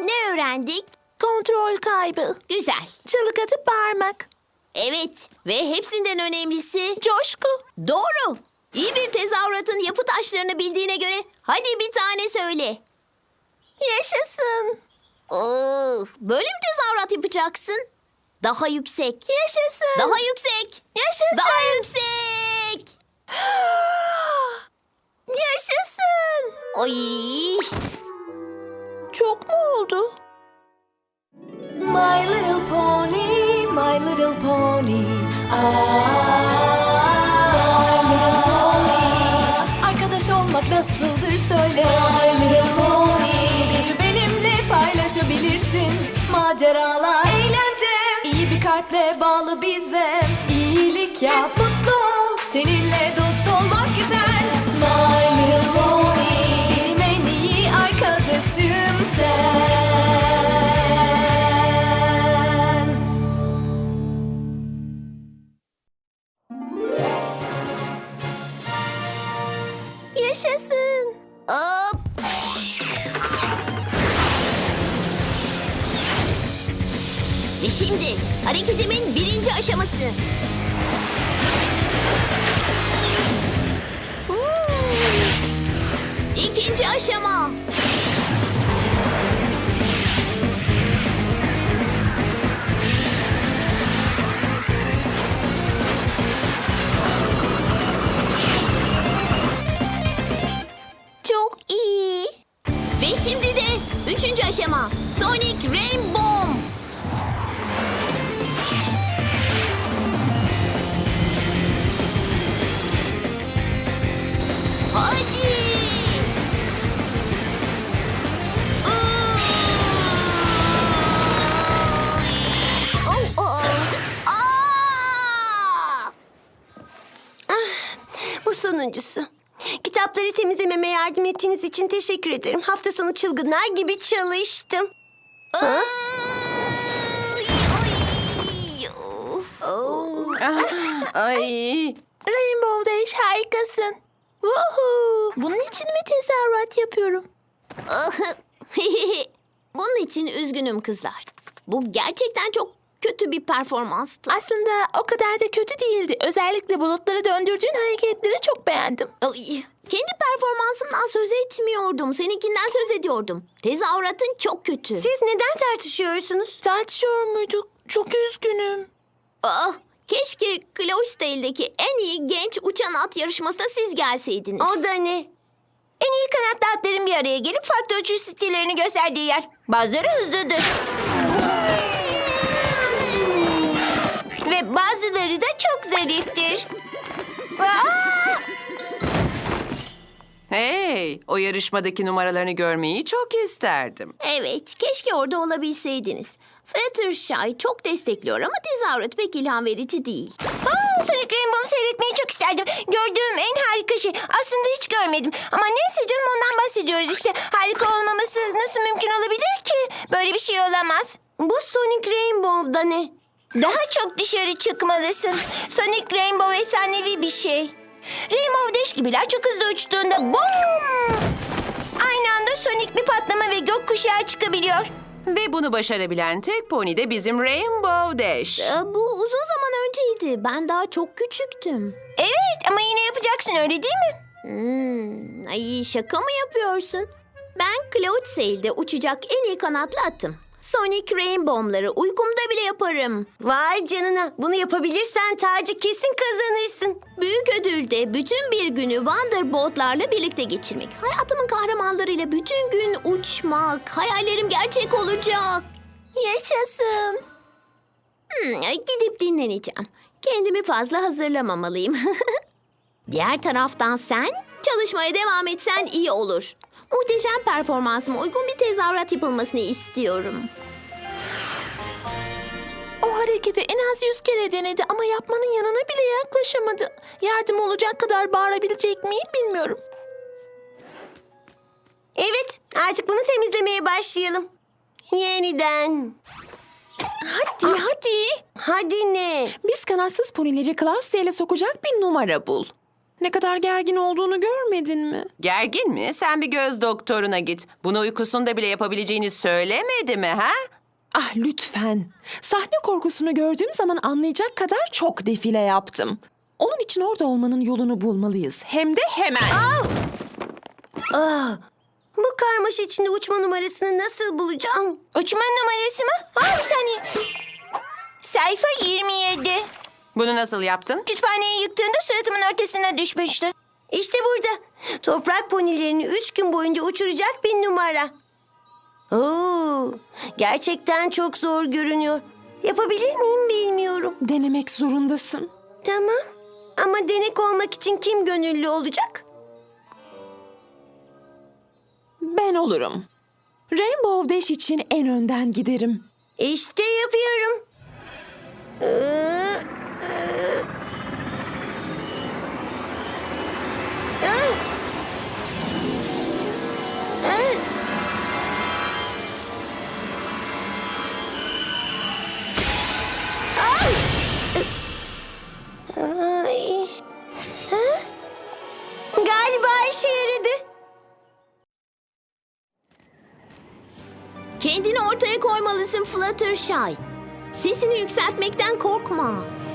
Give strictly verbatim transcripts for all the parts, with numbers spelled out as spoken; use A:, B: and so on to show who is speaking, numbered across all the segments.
A: ne öğrendik?
B: Kontrol kaybı.
A: Güzel.
B: Çığlık atıp bağırmak.
A: Evet ve hepsinden önemlisi
B: Coşku.
A: doğru. İyi bir tezahüratın yapı taşlarını bildiğine göre hadi bir tane söyle.
B: Yaşasın.
A: Oo, böyle mi tezahürat yapacaksın? Daha yüksek.
B: Yaşasın.
A: Daha yüksek.
B: Yaşasın.
A: Daha yüksek.
B: Yaşasın.
A: Ay.
B: Çok mu oldu?
C: My little pony, my little pony. Ah, my little pony. Arkadaş olmak nasıldır söyle. My little pony. Gücü benimle paylaşabilirsin. Maceralar, eğlence. İyi bir kalple bağlı bize. İyilik yap, mutlu ol. Seninle dost olmak güzel. My little pony. Benim en iyi arkadaşım sen.
B: Yaşasın.
A: Hop. Ve şimdi hareketimin birinci aşaması. İkinci aşama.
B: Çok iyi.
A: Ve şimdi de üçüncü aşama. Sonic Rainbow. Hadi. Oh, oh. Aa!
D: Bu sonuncusu. Kitapları temizlememe yardım ettiğiniz için teşekkür ederim. Hafta sonu çılgınlar gibi çalıştım.
A: Ay, ay. Oh.
E: Ay,
B: Rainbow Dash harikasın. Woohoo. Bunun için mi tezahürat yapıyorum?
A: Bunun için üzgünüm kızlar. Bu gerçekten çok kötü bir performanstı.
B: Aslında o kadar da kötü değildi. Özellikle bulutları döndürdüğün hareketleri çok beğendim.
A: Ay, kendi performansımdan söz etmiyordum. Seninkinden söz ediyordum. Tezahüratın çok kötü.
D: Siz neden tartışıyorsunuz?
B: Tartışıyor muyduk? Çok üzgünüm.
A: Ah, keşke Cloydesdale'deki en iyi genç uçan at yarışmasına siz gelseydiniz.
D: O da ne?
B: En iyi kanatlı atların bir araya gelip farklı uçuş stillerini gösterdiği yer. Bazıları hızlıdır. Ve bazıları da çok zariftir. Aa!
E: hey, o yarışmadaki numaralarını görmeyi çok isterdim.
A: Evet, keşke orada olabilseydiniz. Fluttershy çok destekliyor ama tezahürat pek ilham verici değil.
B: Aa, Sonic Rainbow'u seyretmeyi çok isterdim. Gördüğüm en harika şey. Aslında hiç görmedim. Ama neyse canım, ondan bahsediyoruz işte. Harika olmaması nasıl mümkün olabilir ki? Böyle bir şey olamaz.
D: Bu Sonic Rainbow'da ne?
B: Daha çok dışarı çıkmalısın. Sonic Rainbow efsanevi bir şey. Rainbow Dash gibiler çok hızlı uçtuğunda boom! Aynı anda Sonic bir patlama ve gökkuşağı çıkabiliyor.
E: Ve bunu başarabilen tek pony de bizim Rainbow Dash.
A: Ee, bu uzun zaman önceydi. Ben daha çok küçüktüm.
B: Evet, ama yine yapacaksın, öyle değil mi?
A: Hmm, ay şaka mı yapıyorsun? Ben Cloydesdale'de uçacak en iyi kanatlı atım. Sonic Rainbow'ları uykumda bile yaparım.
D: Vay canına. Bunu yapabilirsen tacı kesin kazanırsın.
A: Büyük ödülde bütün bir günü Wonderbolt'larla birlikte geçirmek. Hayatımın kahramanlarıyla bütün gün uçmak. Hayallerim gerçek olacak.
B: Yaşasın.
A: Hmm, gidip dinleneceğim. Kendimi fazla hazırlamamalıyım. Diğer taraftan sen çalışmaya devam etsen iyi olur. Muhteşem performansıma uygun bir tezahürat yapılmasını istiyorum.
B: O hareketi en az yüz kere denedi ama yapmanın yanına bile yaklaşamadı. Yardım olacak kadar bağırabilecek miyim bilmiyorum.
D: Evet, artık bunu temizlemeye başlayalım. Yeniden.
B: Hadi hadi.
D: Hadi ne?
F: Biz kanatsız ponileri Cloydesdale'e sokacak bir numara bul. Ne kadar gergin olduğunu görmedin mi?
E: Gergin mi? Sen bir göz doktoruna git. Bunu uykusunda bile yapabileceğini söylemedi mi ha?
F: Ah lütfen. Sahne korkusunu gördüğüm zaman anlayacak kadar çok defile yaptım. Onun için orada olmanın yolunu bulmalıyız. Hem de hemen.
D: Ah, bu karmaşa içinde uçma numarasını nasıl bulacağım?
B: Uçma numarası mı? Ha, bir saniye. Sayfa yirmi yedi.
E: Bunu nasıl yaptın?
B: Kütüphaneyi yıktığında suratımın ortasına düşmüştü.
D: İşte burada. Toprak ponilerini üç gün boyunca uçuracak bir numara. Oo, gerçekten çok zor görünüyor. Yapabilir miyim bilmiyorum.
F: Denemek zorundasın.
D: Tamam. Ama denek olmak için kim gönüllü olacak?
F: Ben olurum. Rainbow Dash için en önden giderim.
D: İşte yapıyorum. Ee, e, e. E. Ay. Ay. Ha? Galiba işe yaradı.
A: Kendini ortaya koymalısın Fluttershy. Sesini yükseltmekten korkma.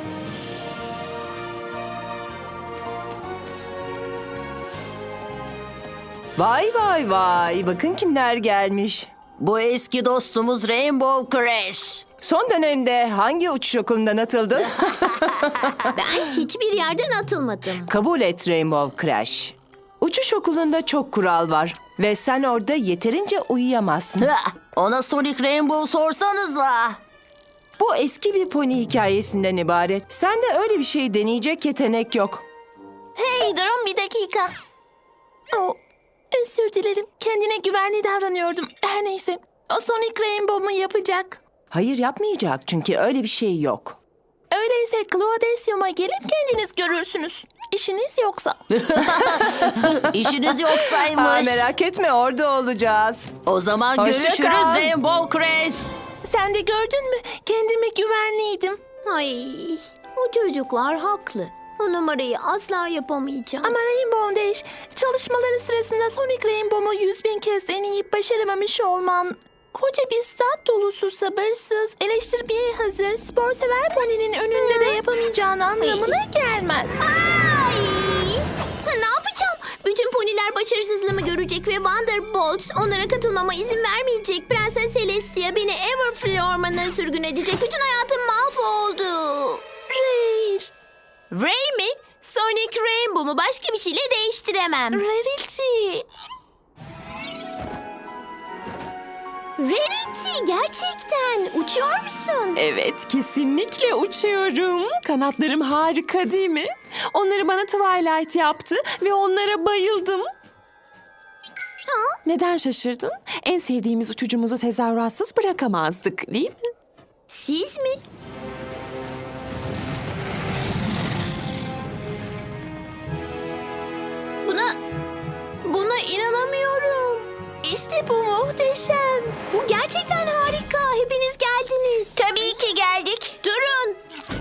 G: Vay vay vay, bakın kimler gelmiş.
H: Bu eski dostumuz Rainbow Crash.
G: Son dönemde hangi uçuş okulundan atıldın?
A: Ben hiçbir yerden atılmadım.
G: Kabul et Rainbow Crash. Uçuş okulunda çok kural var ve sen orada yeterince uyuyamazsın.
H: Hah, ona Sonic Rainbow sorsanızla.
G: Bu eski bir pony hikayesinden ibaret. Sende öyle bir şey deneyecek yetenek yok.
C: Hey durun bir dakika. Oh, özür dilerim. Kendine güvenli davranıyordum. Her neyse. O Sonic Rainbow'u yapacak.
G: Hayır yapmayacak çünkü öyle bir şey yok.
C: Öyleyse Claudesium'a gelip kendiniz görürsünüz. İşiniz yoksa.
H: İşiniz
G: Aa,
H: yoksaymış.
G: merak etme orada olacağız.
H: O zaman
G: Hoşça
H: görüşürüz
G: kal.
H: Rainbow Crash.
C: Sen de gördün mü? Kendime güvenliydim.
A: Ay, o çocuklar haklı. O numarayı asla yapamayacağım.
C: Ama Rainbow Dash, çalışmaları sırasında Sonic Rainbow'u yüz bin kez deneyip başaramamış olman... Koca bir stat dolusu sabırsız, eleştirmeye hazır, spor sever poninin önünde de yapamayacağın anlamına gelmez.
A: Ay! Ne yapacağım? Bütün poniler başarısızlığımı görecek ve Wonderbolt onlara katılmama izin vermeyecek. Prenses Celestia beni Everfree ormanına sürgün edecek. Bütün hayatım mahvoldu.
C: Rare,
A: Ray mi? Sonic Rainbow'u başka bir şeyle değiştiremem.
C: Rarity.
A: Rarity, gerçekten uçuyor musun?
F: Evet, kesinlikle uçuyorum. Kanatlarım harika değil mi? Onları bana Twilight yaptı ve onlara bayıldım. Neden şaşırdın? En sevdiğimiz uçucumuzu tezahüratsız bırakamazdık, değil mi?
A: Siz mi? Buna... Buna inanamıyorum.
C: İşte bu muhteşem.
A: Bu gerçekten harika. Hepiniz geldiniz.
B: Tabii ki geldik.
A: Durun.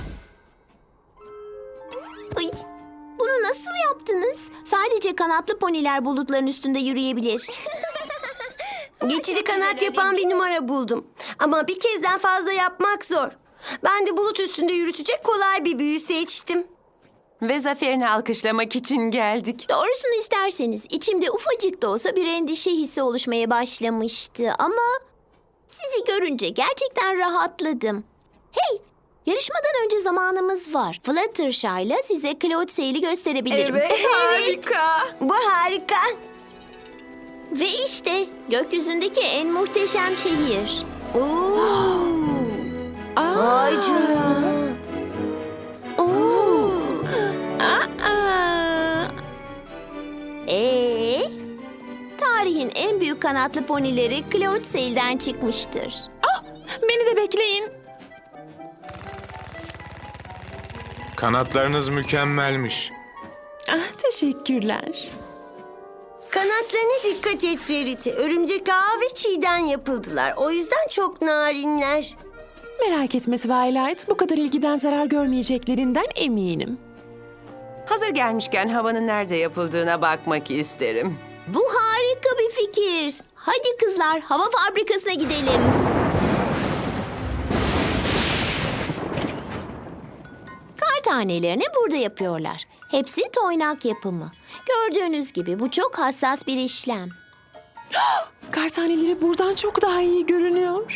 A: Ay, bunu nasıl yaptınız? Sadece kanatlı poniler bulutların üstünde yürüyebilir.
D: Geçici kanat yapan bir numara buldum. Ama bir kezden fazla yapmak zor. Ben de bulut üstünde yürütecek kolay bir büyü seçtim.
E: Ve zaferini alkışlamak için geldik.
A: Doğrusunu isterseniz içimde ufacık da olsa bir endişe hissi oluşmaya başlamıştı. Ama sizi görünce gerçekten rahatladım. Hey, yarışmadan önce zamanımız var. Fluttershy'la size Cloud Sail'i gösterebilirim.
E: harika.
D: Bu harika.
A: Ve işte gökyüzündeki en muhteşem şehir.
D: Oo. Ay canına.
F: Aa,
A: Ee, tarihin en büyük kanatlı ponileri Cloud Sail'den çıkmıştır.
F: beni de bekleyin.
I: Kanatlarınız mükemmelmiş.
F: Ah, teşekkürler.
D: Kanatlarına dikkat et Rarity. Örümcek ağı ve çiğden yapıldılar. O yüzden çok narinler.
F: Merak etme Twilight, bu kadar ilgiden zarar görmeyeceklerinden eminim.
E: Hazır gelmişken havanın nerede yapıldığına bakmak isterim.
A: Bu harika bir fikir. Hadi kızlar, hava fabrikasına gidelim. Kar tanelerini burada yapıyorlar. Hepsi toynak yapımı. Gördüğünüz gibi bu çok hassas bir işlem.
F: Kar taneleri buradan çok daha iyi görünüyor.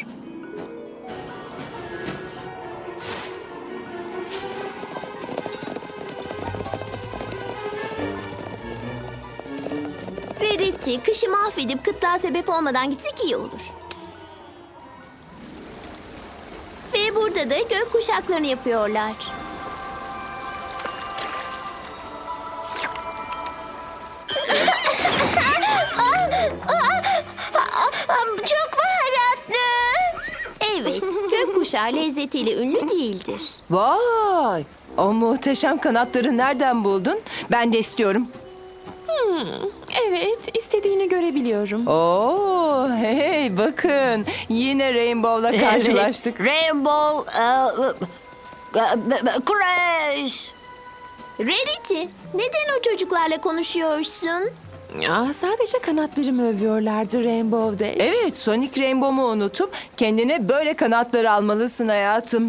A: Rarity, kışı mahvedip kıtlığa sebep olmadan gitsek iyi olur. Ve burada da gök kuşaklarını yapıyorlar.
B: Çok baharatlı.
A: Evet, gökkuşağı lezzetiyle ünlü değildir.
G: Vay! O muhteşem kanatları nereden buldun? Ben de istiyorum.
F: Evet, istediğini görebiliyorum.
G: Oo, hey bakın. Yine Rainbow'la karşılaştık.
H: Rainbow e, e, e, Crash.
A: Rarity, neden o çocuklarla konuşuyorsun?
F: Ya, sadece kanatlarımı övüyorlardı Rainbow Dash.
G: Evet, Sonic Rainbow'u unutup kendine böyle kanatları almalısın hayatım.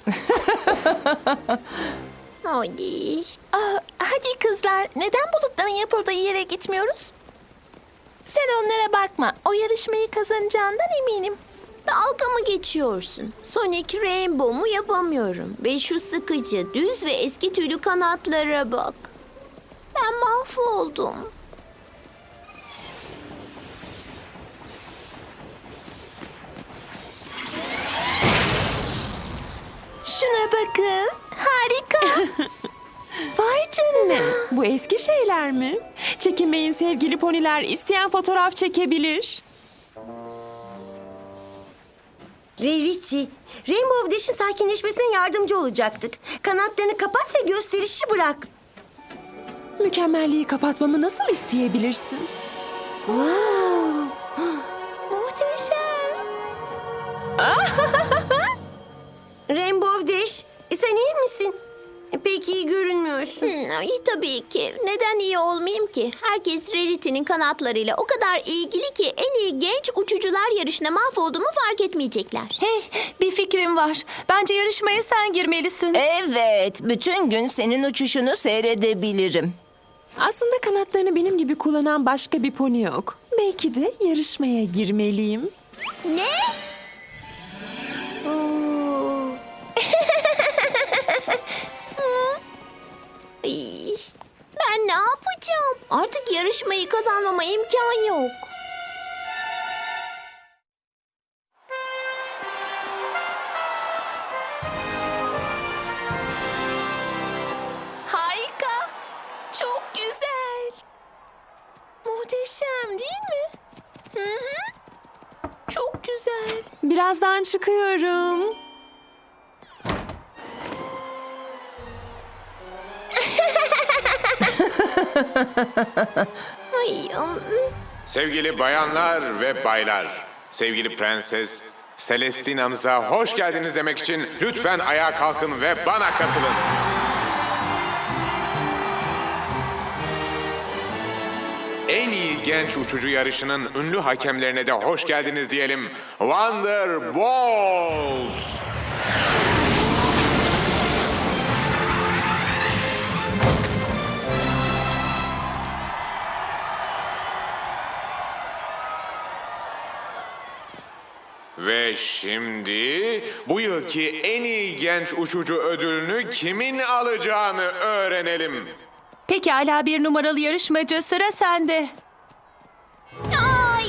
A: Ay.
C: Ah, hadi kızlar, neden bulutların yapıldığı yere gitmiyoruz? Sen onlara bakma. O yarışmayı kazanacağından eminim.
A: Dalga mı geçiyorsun? Sonic Rainbow'mu yapamıyorum. Ve şu sıkıcı, düz ve eski tüylü kanatlara bak. Ben mahvoldum.
C: Şuna bakın. Harika. Vay canına.
F: Bu eski şeyler mi? Çekinmeyin sevgili poniler, isteyen fotoğraf çekebilir.
D: Rarity, Rainbow Dash'in sakinleşmesine yardımcı olacaktık. Kanatlarını kapat ve gösterişi bırak.
F: Mükemmelliği kapatmamı nasıl isteyebilirsin?
C: Muhteşem.
D: Rainbow Dash, e, sen iyi misin? E, Pek iyi görünmüyorsun.
A: Hmm, ay, tabii ki. Neden iyi olmayayım ki? Herkes Rarity'nin kanatlarıyla o kadar ilgili ki en iyi genç uçucular yarışına mahvolduğumu fark etmeyecekler.
C: Hey, bir fikrim var. Bence yarışmaya sen girmelisin.
B: Evet, bütün gün senin uçuşunu seyredebilirim.
F: Aslında kanatlarını benim gibi kullanan başka bir pony yok. Belki de yarışmaya girmeliyim.
A: Ne? Ay, ben ne yapacağım? Artık yarışmayı kazanmama imkan yok.
C: Harika. Çok güzel. Muhteşem değil mi? Hı hı. Çok güzel.
F: Birazdan çıkıyorum.
A: Ay, um,
I: Sevgili bayanlar ve baylar, sevgili prenses Celestina'mıza hoş geldiniz demek için lütfen ayağa kalkın ve bana katılın. En iyi genç uçucu yarışının ünlü hakemlerine de hoş geldiniz diyelim. Wonderbolts! Ve şimdi bu yılki en iyi genç uçucu ödülünü kimin alacağını öğrenelim.
C: Pekala bir numaralı yarışmacı, sıra sende.
A: ay,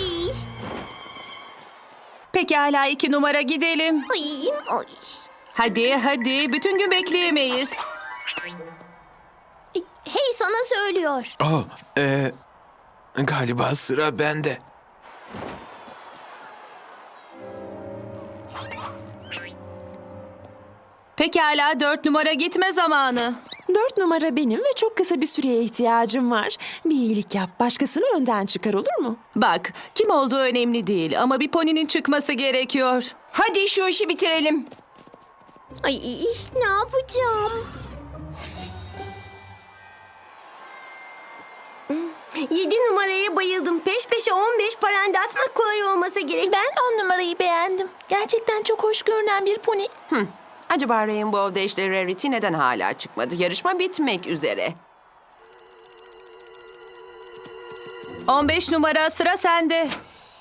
C: Pekala iki numara, gidelim.
A: ay, ay.
C: Hadi hadi, bütün gün bekleyemeyiz.
A: Hey, sana söylüyor.
J: Oh, e, galiba sıra bende.
C: Pekala dört numara, gitme zamanı.
F: Dört numara benim ve çok kısa bir süreye ihtiyacım var. Bir iyilik yap, başkasını önden çıkar, olur mu?
C: Bak, kim olduğu önemli değil ama bir poninin çıkması gerekiyor.
B: Hadi şu işi bitirelim.
A: Ay, ne yapacağım?
D: Yedi numaraya bayıldım. Peş peşe on beş paranda atmak kolay olmasa gerek.
C: Ben on numarayı beğendim. Gerçekten çok hoş görünen bir pony.
E: Acaba Rainbow Dash ile Rarity neden hala çıkmadı? Yarışma bitmek üzere.
G: on beş numara sıra sende.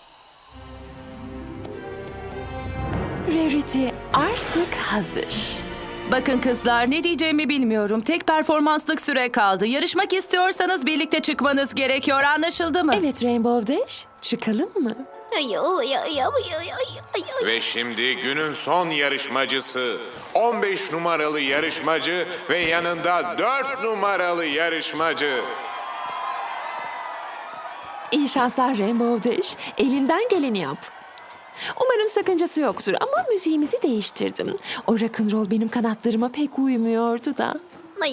F: Rarity artık hazır.
K: Bakın kızlar, ne diyeceğimi bilmiyorum. Tek performanslık süre kaldı. Yarışmak istiyorsanız birlikte çıkmanız gerekiyor. Anlaşıldı mı?
F: Evet Rainbow Dash, çıkalım mı?
A: Ay, ay, ay, ay, ay, ay, ay.
I: Ve şimdi günün son yarışmacısı. on beş numaralı yarışmacı ve yanında dört numaralı yarışmacı.
F: İyi şanslar Rainbow Dash. Elinden geleni yap. Umarım sakıncası yoktur ama müziğimizi değiştirdim. O rock'n'roll benim kanatlarıma pek uymuyordu da.
A: Ay.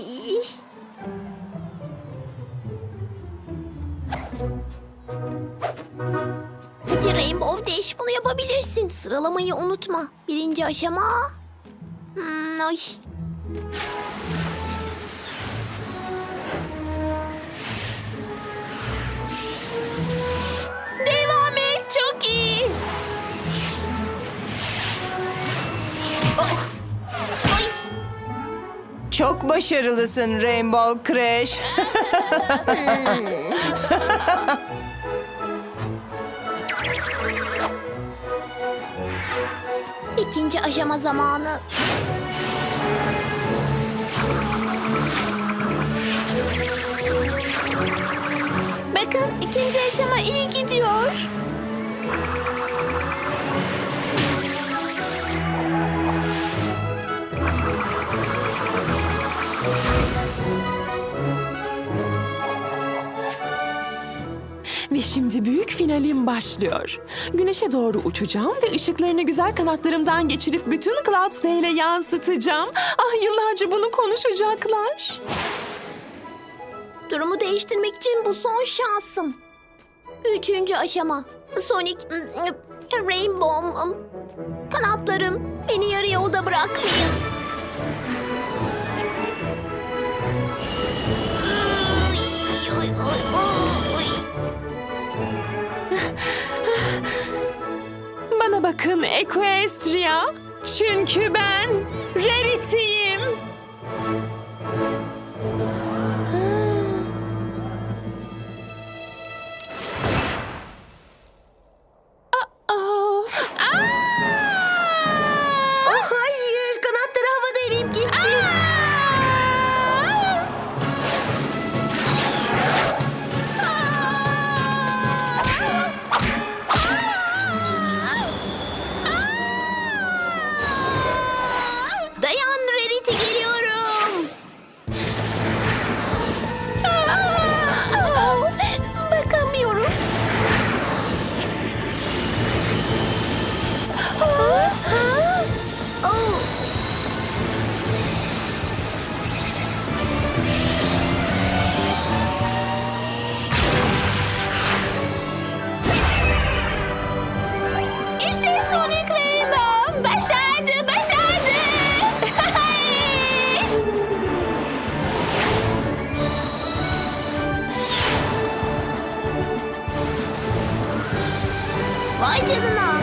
A: Hadi Rainbow Dash, bunu yapabilirsin. Sıralamayı unutma. Birinci aşama. Hmm, ay.
C: Devam et, çok iyi.
G: Çok başarılısın Rainbow Crash.
A: İkinci aşama zamanı.
C: Bakın, ikinci aşama iyi gidiyor.
F: Ve şimdi büyük finalim başlıyor. Güneşe doğru uçacağım ve ışıklarını güzel kanatlarımdan geçirip bütün Cloudsdale'e yansıtacağım. Ah, yıllarca bunu konuşacaklar.
A: Durumu değiştirmek için bu son şansım. Üçüncü aşama. Sonic, ım, Rainbow, ım, kanatlarım, beni yarı yolda bırakmayın. Ay, ay, ay, ay.
F: Bana bakın Equestria. Çünkü ben Rarity'yim.
D: Oh hayır, kanatları havada eriyip gitti.
A: Dayan Rarity, geliyorum.
C: Bakamıyorum.
D: Oh.
C: İşte Sonic Rainbow. Başardı, başardı.
A: Vay canına.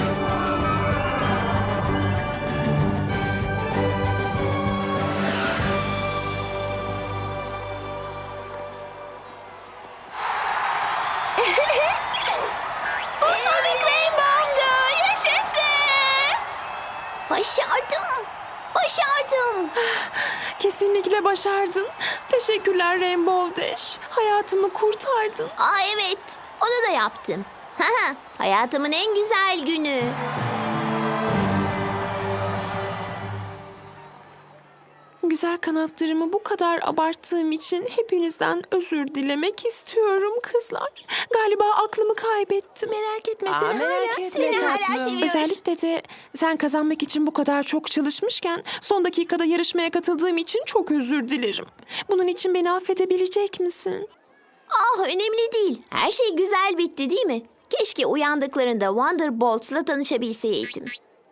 C: Bu Sonic Rainbow'du. Yaşasın.
A: Başardım. Başardım.
F: Kesinlikle başardın. Teşekkürler Rainbow Dash. Hayatımı kurtardın.
A: Aa evet, onu da yaptım. Haha, hayatımın en güzel günü.
F: Güzel kanatlarımı bu kadar abarttığım için hepinizden özür dilemek istiyorum kızlar. Galiba aklımı kaybettim.
C: Merak etme,
G: Aa,
C: seni
G: merak
C: hala,
G: etme
C: seni hala
G: tatlım.
C: seviyoruz.
F: Özellikle de sen kazanmak için bu kadar çok çalışmışken son dakikada yarışmaya katıldığım için çok özür dilerim. Bunun için beni affedebilecek misin?
A: Ah, önemli değil. Her şey güzel bitti değil mi? Keşke uyandıklarında Wonderbolt'la tanışabilseydim.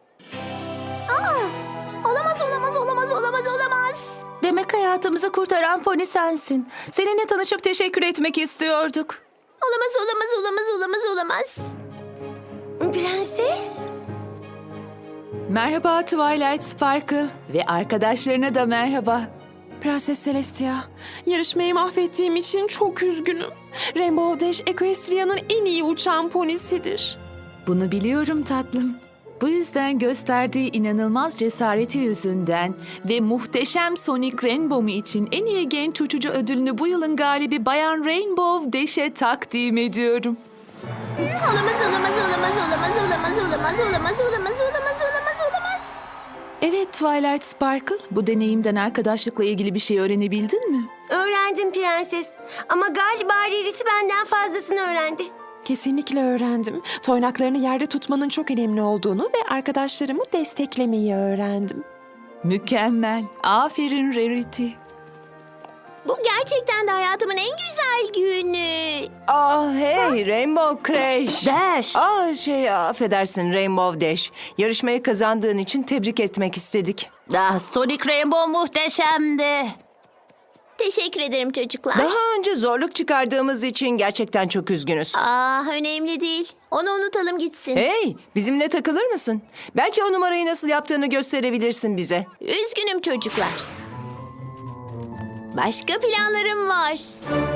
A: Aa, olamaz, olamaz, olamaz, olamaz, olamaz.
K: Demek hayatımızı kurtaran pony sensin. Seninle tanışıp teşekkür etmek istiyorduk.
A: Olamaz, olamaz, olamaz, olamaz, olamaz.
D: Prenses?
K: Merhaba Twilight Sparkle ve arkadaşlarına da merhaba.
F: Prenses Celestia, yarışmayı mahvettiğim için çok üzgünüm. Rainbow Dash Equestria'nın en iyi uçan ponisidir.
K: Bunu biliyorum tatlım. Bu yüzden gösterdiği inanılmaz cesareti yüzünden ve muhteşem Sonic Rainbow'u için en iyi genç uçucu ödülünü bu yılın galibi Bayan Rainbow Dash'e takdim ediyorum.
A: Olamaz, olamaz, olamaz, olamaz, olamaz, olamaz, olamaz, olamaz, olamaz, olamaz, olamaz.
K: Evet Twilight Sparkle, bu deneyimden arkadaşlıkla ilgili bir şey öğrenebildin mi?
D: Öğrendim prenses. Ama galiba Rarity benden fazlasını öğrendi.
F: Kesinlikle öğrendim. Toynaklarını yerde tutmanın çok önemli olduğunu ve arkadaşlarımı desteklemeyi öğrendim.
K: Mükemmel. Aferin Rarity.
A: Bu gerçekten de hayatımın en güzel günü.
G: Ah hey Rainbow Crash.
D: Dash.
G: Ah şey affedersin Rainbow Dash. Yarışmayı kazandığın için tebrik etmek istedik.
H: Ah, Sonic Rainbow muhteşemdi.
A: Teşekkür ederim çocuklar.
G: Daha önce zorluk çıkardığımız için gerçekten çok üzgünüz.
A: Ah, önemli değil. Onu unutalım gitsin.
G: Hey, bizimle takılır mısın? Belki o numarayı nasıl yaptığını gösterebilirsin bize.
A: Üzgünüm çocuklar. Başka planlarım var.